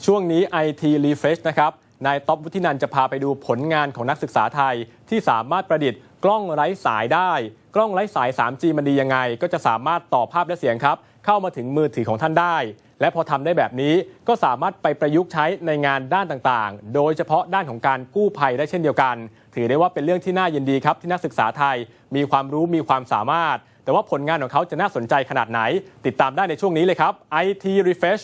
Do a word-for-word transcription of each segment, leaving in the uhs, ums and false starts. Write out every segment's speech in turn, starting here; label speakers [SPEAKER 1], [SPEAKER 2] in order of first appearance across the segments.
[SPEAKER 1] ช่วงนี้ ไอ ที Refresh นะครับนายต๊อบวุฒินันท์จะพาไปดูผลงานของนักศึกษาไทยที่สามารถประดิษฐ์กล้องไร้สายได้กล้องไร้สาย ทรี จี มันดียังไงก็จะสามารถต่อภาพและเสียงครับเข้ามาถึงมือถือของท่านได้และพอทำได้แบบนี้ก็สามารถไปประยุกต์ใช้ในงานด้านต่างๆโดยเฉพาะด้านของการกู้ภัยได้เช่นเดียวกันถือได้ว่าเป็นเรื่องที่น่ายินดีครับที่นักศึกษาไทยมีความรู้มีความสามารถแต่ว่าผลงานของเขาจะน่าสนใจขนาดไหนติดตามได้ในช่วงนี้เลยครับ ไอ ที Refresh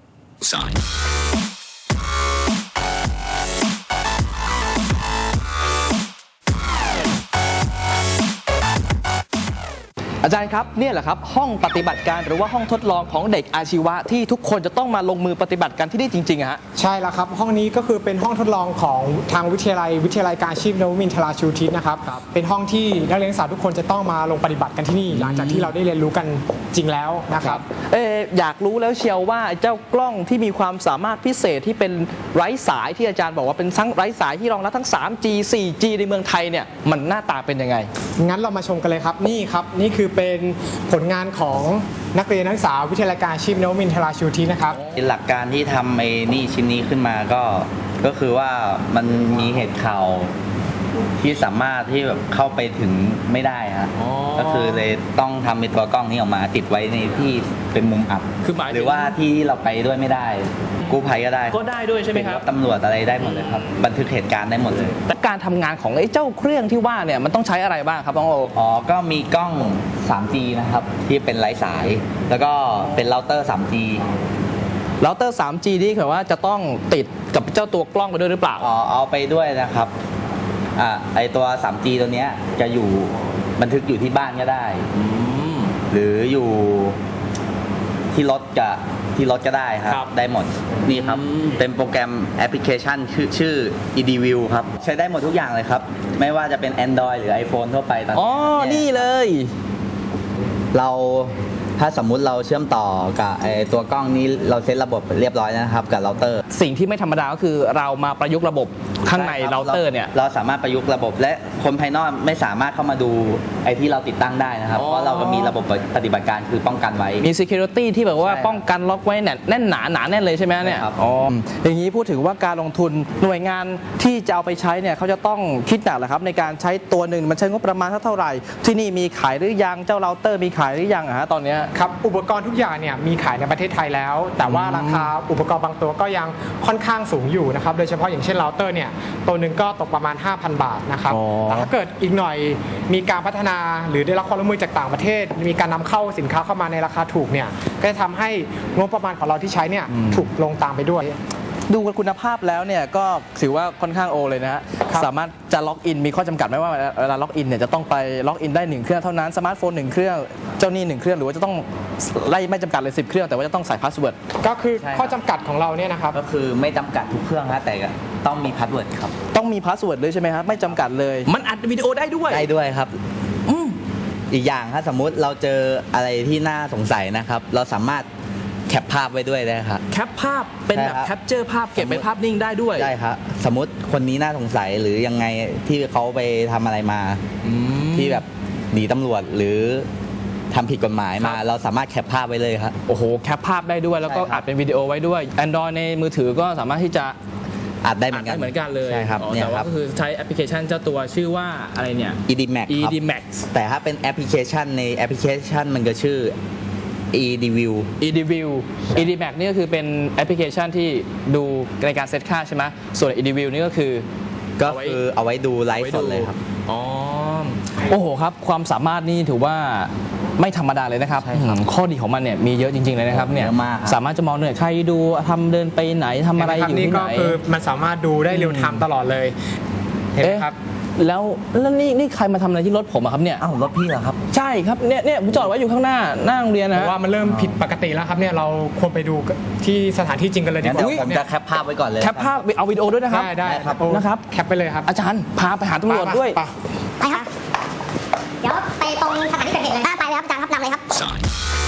[SPEAKER 2] อาจารย์ครับเนี่ยแหละครับห้องปฏิบัติการหรือว่าห้องทดลองของเด็กอาชีวะที่ทุกคนจะต้องมาลงมือปฏิบัติกันที่นี่จริงๆอะฮะ
[SPEAKER 3] ใช่แล้วครับห้องนี้ก็คือเป็นห้องทดลองของทางวิทยาลัยวิทยาลัยการอาชีพนวมินทราชูทิศนะครับเป็นห้องที่นักเรียนนักศึกษาทุกคนจะต้องมาลงปฏิบัติกันที่นี่หลังจากที่เราได้เรียนรู้กันจริงแล้วนะครับ
[SPEAKER 2] เอออยากรู้แล้วเชียวว่าเจ้ากล้องที่มีความสามารถพิเศษที่เป็นไร้สายที่อาจารย์บอกว่าเป็นทั้งไร้สายที่รองรับทั้ง ทรี จี โฟร์ จี ในเมืองไทยเนี่ยมันหน้าตาเป็นยังไง
[SPEAKER 3] งั้นเรามาชมกันเลยครับนี่ครับนี่คือเป็นผลงานของนักเรียนนักศึกษาวิทยาลัยการอาชีพนวมินทราชูทิศนะครับ
[SPEAKER 4] หลักการที่ทำไอ้นี่ชิ้นนี้ขึ้นมาก็ก็คือว่ามันมีเหตุข่าวที่สามารถที่แบบเข้าไปถึงไม่ได้ฮะก็คือเลยต้องทำเป็นตัวกล้องนี้ออกมาติดไว้ในที่เป็นมุมอับหรือว่าที่เราไปด้วยไม่ได้กู้ภัยก็ได้
[SPEAKER 2] ก็ได้ด้วยใช่ไหมครับ
[SPEAKER 4] ตำรวจอะไรได้หมดเลยครับบันทึกเหตุการณ์ได้หมดเลย
[SPEAKER 2] แต่การทำงานของไอ้เจ้าเครื่องที่ว่าเนี่ยมันต้องใช้อะไรบ้างครับน้องโอ
[SPEAKER 4] อ๋อก็มีกล้อง ทรี จี นะครับที่เป็นไร้สายแล้วก็เป็นเราเตอร์ ทรี จี
[SPEAKER 2] เราเตอร์ ทรี จี นี่คือว่าจะต้องติดกับเจ้าตัวกล้องไปด้วยหรือเปล่า
[SPEAKER 4] อ๋อเอาไปด้วยนะครับอ่าไอตัว ทรี จี ตัวเนี้ยจะอยู่บันทึกอยู่ที่บ้านก็ได้หรืออยู่ที่รถกับที่รถก็ได้ครับได้หมดนี่ครับเป็นโปรแกรมแอปพลิเคชันชื่อชื่อ อี ดี วิว ครับใช้ได้หมดทุกอย่างเลยครับไม่ว่าจะเป็น Android หรือ iPhone ทั่วไปตอนนี้
[SPEAKER 2] อ๋อนี่เลย
[SPEAKER 4] เราถ้าสมมุติเราเชื่อมต่อกับไอตัวกล้องนี้เราเซตระบบเรียบร้อยนะครับกับเราเตอร์
[SPEAKER 2] สิ่งที่ไม่ธรรมดาก็คือเรามาประยุกต์ระบบข้างในเราเตอร์เนี่ย
[SPEAKER 4] เราสามารถประยุกต์ระบบและคนภายนอกไม่สามารถเข้ามาดูไอที่เราติดตั้งได้นะครับเพราะเราก็มีระบบปฏิบัติการคือป้องกันไว้
[SPEAKER 2] มี security ที่แบบว่าป้องกันล็อกไว้แน่นหนาหนาแน่นเลยใช่ไหมเนี่ยอ๋ออย่างนี้พูดถึงว่าการลงทุนหน่วยงานที่จะเอาไปใช้เนี่ยเขาจะต้องคิดหนักแหละครับในการใช้ตัวหนึ่งมันใช้งบประมาณเท่าไหร่ที่นี่มีขายหรือยังเจ้าเราเตอร์มีขายหรือยังอะฮะตอนนี้
[SPEAKER 3] ครับอุปกรณ์ทุกอย่างเนี่ยมีขายในประเทศไทยแล้วแต่ว่าราคาอุปกรณ์บางตัวก็ยังค่อนข้างสูงอยู่นะครับโดยเฉพาะอย่างเช่นเราเตอร์เนี่ยตัวหนึ่งก็ตกประมาณ ห้าพัน บาทนะครับแต่ถ้าเกิดอีกหน่อยมีการพัฒนาหรือได้รับความร่วมมือจากต่างประเทศมีการนำเข้าสินค้าเข้ามาในราคาถูกเนี่ยก็จะทำให้งบประมาณของเราที่ใช้เนี่ยถูกลงตามไปด้วย
[SPEAKER 2] ดูคุณภาพแล้วเนี่ยก็ถือว่าค่อนข้างโอเลยนะฮะสามารถจะล็อกอินมีข้อจำกัดไหมว่าเวลาล็อกอินเนี่ยจะต้องไปล็อกอินได้หนึ่งเครื่องเท่านั้นสมาร์ทโฟนหนึ่งเครื่องเจ้านี่หนึ่งเครื่องหรือว่าจะต้องไล่ไม่จำกัดเลยสิบเครื่องแต่ว่าจะต้องใส่พาสเวิร์ด
[SPEAKER 3] ก็คือข้อจำกัดของเราเนี่ยนะครับ
[SPEAKER 4] ก็คือไม่จำกัดทุกเครื่องฮะแต่ต้องมีพาสเวิร์ดครับ
[SPEAKER 2] ต้องมีพาสเวิร์ดเลยใช่ไหมครับไม่จำกัดเลยมันอัดวิดีโอได้ด้วย
[SPEAKER 4] ได้ด้วยครับอีกอย่างถ้าสมมุติเราเจออะไรที่น่าสงสัยนะครับเราสามารถแคปภาพไว้ด้วยได้ครับ
[SPEAKER 2] แคปภาพเป็นแบบแคปเจอร์ภาพเก็บเป็นภาพนิ่งได้ด้วย
[SPEAKER 4] ได้ครับสมมติคนนี้น่าสงสัยหรือยังไงที่เขาไปทำอะไรมาที่แบบหนีตำรวจหรือทำผิดกฎหมายมาเราสามารถแคปภาพไว้เลยครับ
[SPEAKER 2] โอ้โหแคปภาพได้ด้วยแล้วก็อัดเป็นวิดีโอไว้ด้วย Android ในมือถือก็สามารถที่จะ
[SPEAKER 4] อัดได้เหมือนกัน
[SPEAKER 2] เหมือนกันเลย
[SPEAKER 4] ใช่ครับ
[SPEAKER 2] แต่ว่าก็คือใช้แอปพลิเคชันเจ้าตัวชื่อว่าอะไรเนี่ย
[SPEAKER 4] อี ดี แม็กซ์
[SPEAKER 2] อี ดี แม็กซ์
[SPEAKER 4] แต่ถ้าเป็นแอปพลิเคชันในแอปพลิเคชันมันก็ชื่อ อี ดี วิว
[SPEAKER 2] อี ดี วิว อี ดี แม็กซ์ นี่ก็คือเป็นแอปพลิเคชันที่ดูในการเซตค่าใช่ไหมส่วน อี ดี วิว นี่ก็คือ
[SPEAKER 4] ก็คือเอาไว้ดูไลฟ์สดเลยครับ
[SPEAKER 2] อ๋อโอ้โหครับความสามารถนี่ถือว่าไม่ธรรมดาเลยนะครับข้อดีของมันเนี่ยมีเยอะจริงๆเลยนะครับเนี่ยสามารถจะมองเหนื่อยใครดูทำเดินไปไหนทำอะไรอยู่ที่ไหน
[SPEAKER 3] นี่ก็คือมันสามารถดูได้เร็วไทม์ตลอดเลยเห็นไหมครับ
[SPEAKER 2] แล้วแล้วนี่นี่ใครมาทำอะไรที่รถผมอะครับเนี่ย
[SPEAKER 4] อ้าวรถพี่เหรอครับ
[SPEAKER 2] ใช่ครับเนี่ยเนี่ยผมจอดไว้อยู่ข้างหน้าหน้าโรงเรียนนะ
[SPEAKER 3] ว่ามันเริ่มผิดปกติแล้วครับเนี่ยเราควรไปดูที่สถานที่จริงกันเลยดีกว่า
[SPEAKER 4] ผมจะแคปภาพไว้ก่อนเลย
[SPEAKER 2] แคปภาพเอาวิดีโอด้วยนะครับ
[SPEAKER 3] ได้ได้ครับ
[SPEAKER 2] นะครับ
[SPEAKER 3] แคปไปเลยครับ
[SPEAKER 2] อาจารย์พาไปหาตำรวจด้วย
[SPEAKER 5] ไปครับเดี๋ยวไปตรงสถานที่เกิดเหตุเลยไปเลยครับอาจารย์ครับนำเลยครับ